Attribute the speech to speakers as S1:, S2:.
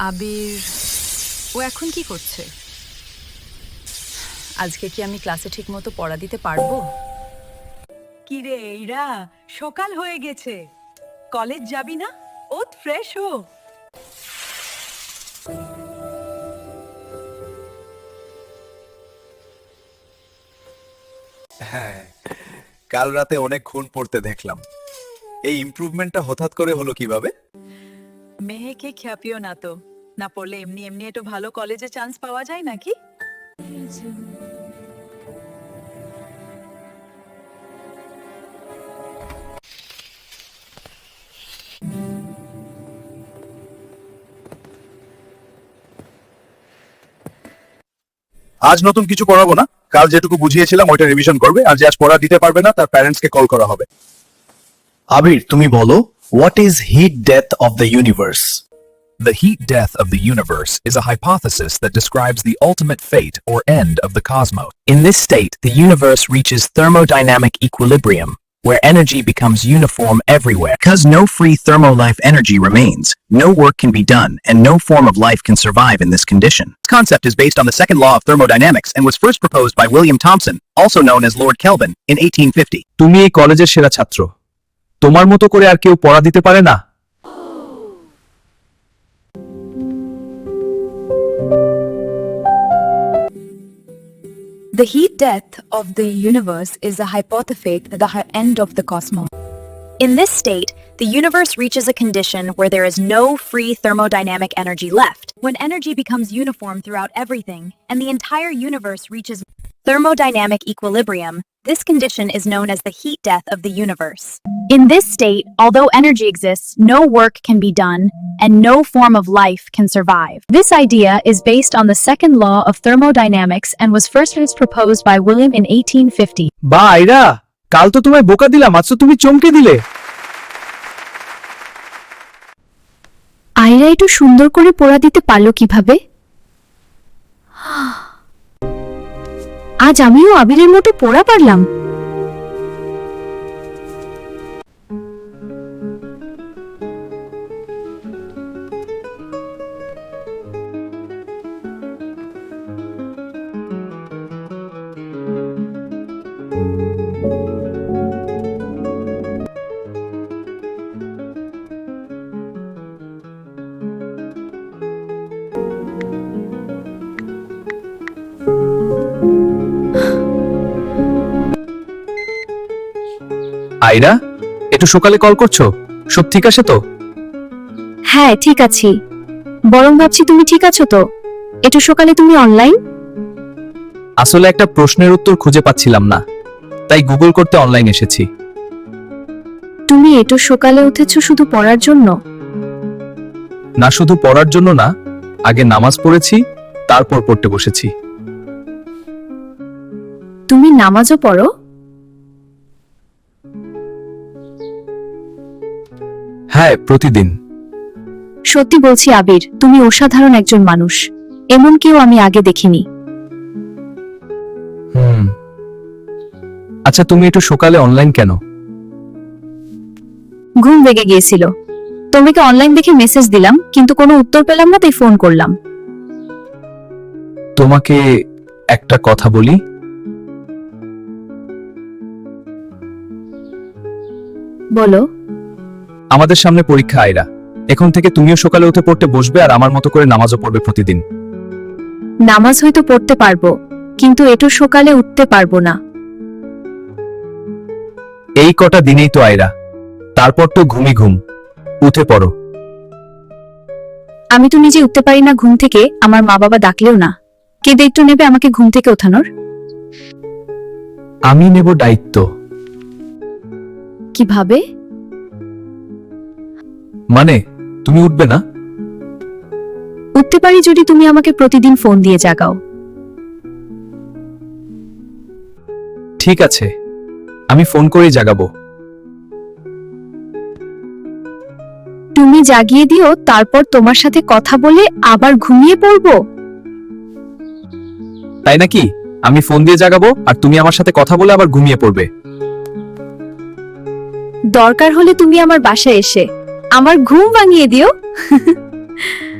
S1: আবির ও এখন কি করছে? আজকে কি আমি ক্লাসে ঠিকমতো পড়া দিতে পারবো?
S2: কি রে এইরা, সকাল হয়ে গেছে, কলেজ যাবি না? ওঠ, ফ্রেশ হো।
S3: হ্যাঁ, কাল রাতে অনেক খুন পড়তে দেখলাম। এই ইমপ্রুভমেন্টটা হঠাৎ করে হলো কিভাবে?
S2: মেহেকে খ্যাপিও না তো, না পড়লে এমনি এমনি একটু ভালো কলেজে চান্স পাওয়া যায় নাকি?
S3: আজ নতুন কিছু করাবো না, কাল যেটুকু বুঝিয়েছিলাম ওইটা রিভিশন করবে, আর যে আজ পড়া দিতে পারবে না তার প্যারেন্টসকে কল করা হবে।
S4: আবির, তুমি বলো, what is heat death of the universe?
S5: The heat death of the universe is a hypothesis that describes the ultimate fate or end of the cosmos. In this state, the universe reaches thermodynamic equilibrium, where energy becomes uniform everywhere.
S4: Because no free thermolife energy remains, no work can be done, and no form of life can survive in this condition.
S5: This concept is based on the second law of thermodynamics and was first proposed by William Thomson, also known as Lord Kelvin, in 1850.
S6: তুমি এই কলেজের সেরা ছাত্র, তোমার মতো করে আর কেউ পড়া দিতে পারে না।
S7: The heat death of the universe is a hypothesis at the end of the cosmos. In this state, the universe reaches a condition where there is no free thermodynamic energy left. When energy becomes uniform throughout everything, and the entire universe reaches thermodynamic equilibrium, this condition is known as the heat death of the universe. In this state, although energy exists, no work can be done, and no form of life can survive. This idea is based on the second law of thermodynamics and was first proposed by William in 1850.
S6: বা আইরা, কাল তো তোমায় বোকা দিলাম, আজ তো তুমি চমকে দিলে।
S7: আয়রা একটু সুন্দর করে পড়া দিতে পারলো কিভাবে? আজ আমিও আবিরের মতো পড়া পারলাম।
S6: আইরা, একটু সকালে কল করছো, সব ঠিক আছে তো?
S7: হ্যাঁ, ঠিক আছি। বরং ভাবছি তুমি ঠিক আছো তো? একটু সকালে তুমি অনলাইন?
S6: আসলে একটা প্রশ্নের উত্তর খুঁজে পাচ্ছিলাম না, তাই গুগল করতে অনলাইন এসেছি।
S7: তুমি একটু সকালে উঠেছো শুধু পড়ার জন্য?
S6: না, শুধু পড়ার জন্য না, আগে নামাজ পড়েছি, তারপর পড়তে বসেছি।
S7: তুমি নামাজও পড়ো?
S6: হ্যাঁ, প্রতিদিন।
S7: সত্যি বলছি আবির, তুমি অসাধারণ একজন মানুষ। এমন কেউ আমি আগে দেখিনি।
S6: আচ্ছা, তুমি একটু সকালে অনলাইন কেন?
S7: ঘুম ভেঙে গিয়েছিল, তোমাকে অনলাইন দেখে মেসেজ দিলাম, কিন্তু কোনো উত্তর পেলাম না, তাই ফোন করলাম।
S6: তোমাকে একটা কথা বলি।
S7: বলো।
S6: আমাদের সামনে পরীক্ষা আইরা, এখন থেকে তুমিও সকালে উঠে পড়তে বসবে আর আমার মতো করে নামাজও পড়বে প্রতিদিন।
S7: নামাজ হয়তো পড়তে পারবো, কিন্তু একটু সকালে উঠতে পারবো না।
S6: এই কটা দিনেই তো আইরা, তারপর তো ঘুমি ঘুম, উঠে পড়ো।
S7: আমি তো নিজে উঠতে পারি না ঘুম থেকে, আমার মা বাবা ডাকলেও না। কে দায়িত্ব নেবে আমাকে ঘুম থেকে ওঠানোর?
S6: আমি নেব দায়িত্ব।
S7: কিভাবে?
S6: মানে তুমি উঠবে না?
S7: উঠতে পারি যদি তুমি আমাকে প্রতিদিন ফোন দিয়ে জাগাও।
S6: ঠিক আছে, আমি ফোন করেই জাগাবো।
S7: তুমি জাগিয়ে দিও, তারপর তোমার সাথে কথা বলে আবার ঘুমিয়ে পড়বো।
S6: তাই নাকি? আমি ফোন দিয়ে জাগাবো আর তুমি আমার সাথে কথা বলে আবার ঘুমিয়ে পড়বে।
S7: দরকার হলে তুমি আমার বাসায় এসে আমার ঘুম ভাঙিয়ে দিও।